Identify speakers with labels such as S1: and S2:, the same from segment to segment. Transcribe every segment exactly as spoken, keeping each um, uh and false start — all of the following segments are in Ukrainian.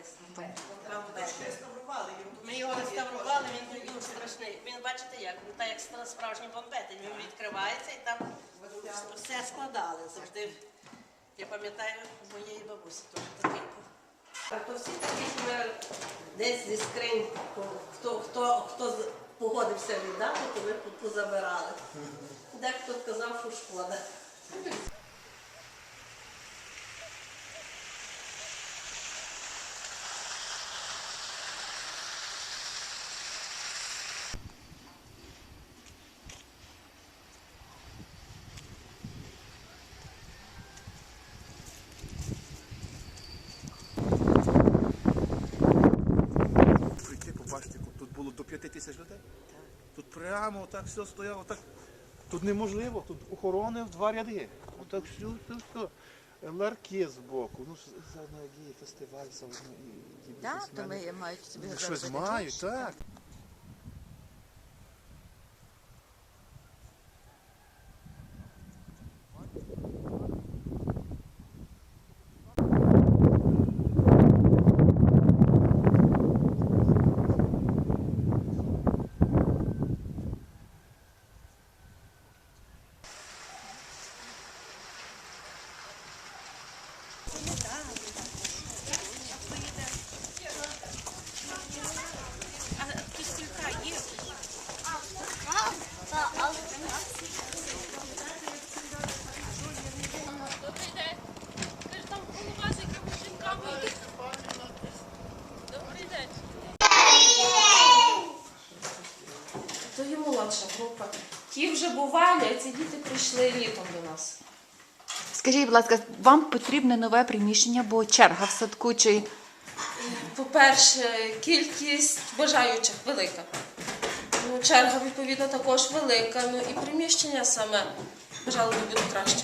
S1: Ми його реставрували, він він страшний. Він, бачите як, він так як справжній бомбетень, він відкривається і там все складали завжди. Я пам'ятаю, у моєї бабусі теж такий був. Так, то всі такі, що ми десь зі скринь, хто, хто, хто погодився віддати, то ми позабирали. Дехто казав, що шкода.
S2: Побачите, тут було до п'яти тисяч людей. Тут прямо так все стояло. Так. Тут неможливо, тут охорони в два ряди. Отак все, все, все. Ларки з боку. Ну, заодно є фестиваль, заодно і бізнесмени.
S3: Так, то ми мають собі
S2: Щось мають, так.
S4: То є молодша група. Ті вже бували, а ці діти прийшли літом до нас.
S3: Скажіть, будь ласка, вам потрібне нове приміщення, бо черга в садку чи...
S4: По-перше, кількість бажаючих велика. Ну, черга, відповідно, також велика. Ну і приміщення саме, бажали би бути краще.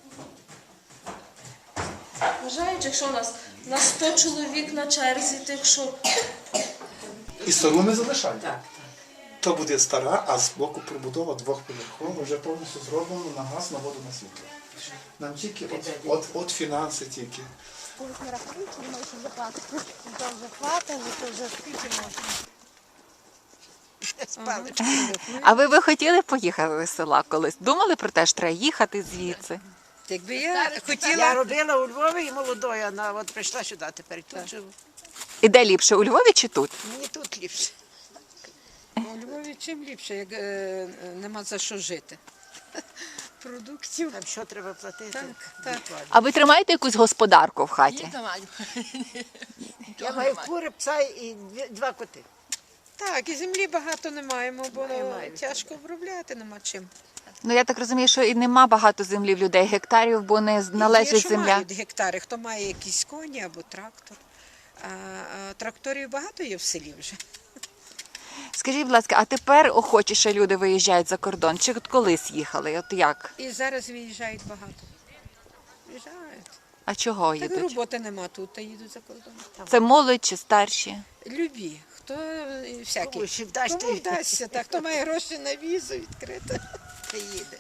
S4: Бажаючих, що у нас на сто чоловік на черзі, тих, що...
S2: І стару ми залишаємо. Так. То буде стара, а з боку прибудова двохповерхова, вже повністю зроблено на газ, на воду, на світло. Нам тільки от, от, от фінанси тільки.
S5: Коли ми рахуємо, не можеш заплатити. То вже хватило, то вже скільки можна.
S3: А ви би хотіли поїхати з села колись? Думали про те, що треба їхати звідси?
S6: Якби я хотіла... Я робила у Львові і молодою, вона от прийшла сюди, тепер тут живу.
S3: І де ліпше, у Львові чи тут?
S6: Мені тут ліпше. У Львові чим ліпше, як е, нема за що жити. Продуктів. Там що треба платити? Так, так.
S3: А ви тримаєте якусь господарку в хаті?
S6: Я маю кури, пса і дві- два коти.
S7: Так, і землі багато не маємо, бо
S6: Немає.
S7: тяжко обробляти, нема чим.
S3: Ну, я так розумію, що і нема багато землі в людей, гектарів, бо не
S7: Є,
S3: належить
S7: що
S3: земля.
S7: мають гектари, хто має якісь коні або трактор. А, а тракторів багато є в селі вже.
S3: Скажіть, будь ласка, а тепер охочіше люди виїжджають за кордон? Чи от колись їхали? От як?
S7: І зараз виїжджають багато. Виїжджають.
S3: А чого
S7: Так
S3: їдуть?
S7: роботи нема тут, та їдуть за кордон.
S3: Це молодь чи старші?
S7: Любі, хто е, всякі.
S6: Кому ще вдасться,
S7: Кому вдасться, так, хто має гроші на візу відкрити.
S6: Та їде.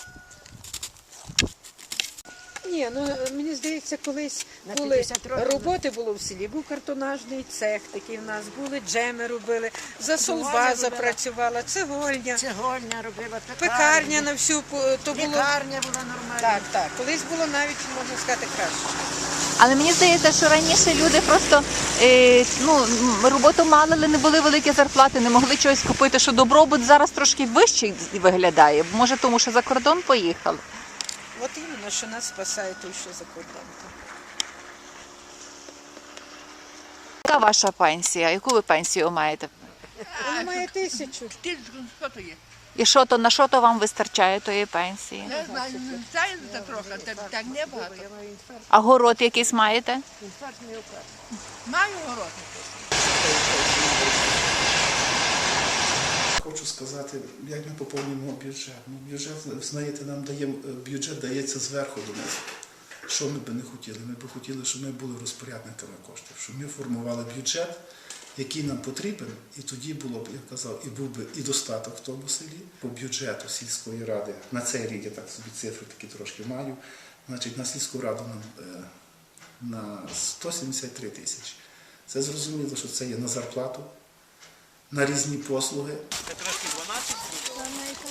S7: Ні, ну мені здається, колись
S6: На
S7: були
S6: п'ятдесят років.
S7: роботи було в селі. Був картонажний цех такий в нас, були джеми робили, засолба
S6: робила.
S7: запрацювала, цегольня,
S6: Цегольня робила,
S7: пекарня на всю по- то було.
S6: Лікарня була нормальна.
S7: Так, так. Колись було навіть, можна сказати, краще.
S3: Але мені здається, що раніше люди просто е, ну, м, роботу мали, але не були великі зарплати, не могли чогось купити, що добробут зараз трошки вищий виглядає. Може, тому що за кордон поїхали?
S7: От іменно, що нас спасає той, що за кордоном.
S3: Яка ваша пенсія? Яку ви пенсію маєте?
S7: Вона має тисячу.
S6: Що то є?
S3: І що то, на що то вам вистачає тої пенсії?
S6: Не знаю, знаю за трохи, так не багато.
S3: А город якийсь маєте?
S6: Маю город.
S2: Хочу сказати, як ми поповнюємо бюджет. Ну, бюджет, знаєте, нам дає, бюджет дається зверху до нас. Що ми би не хотіли? Ми б хотіли, щоб ми були розпорядниками коштів, щоб ми формували бюджет, який нам потрібен, і тоді було б, я казав, і був би і достаток в тому селі. По бюджету сільської ради, на цей рік я так собі цифри такі трошки маю, значить на сільську раду нам е, на сто сімдесят три тисячі. Це зрозуміло, що це є на зарплату, на різні послуги.
S5: Саме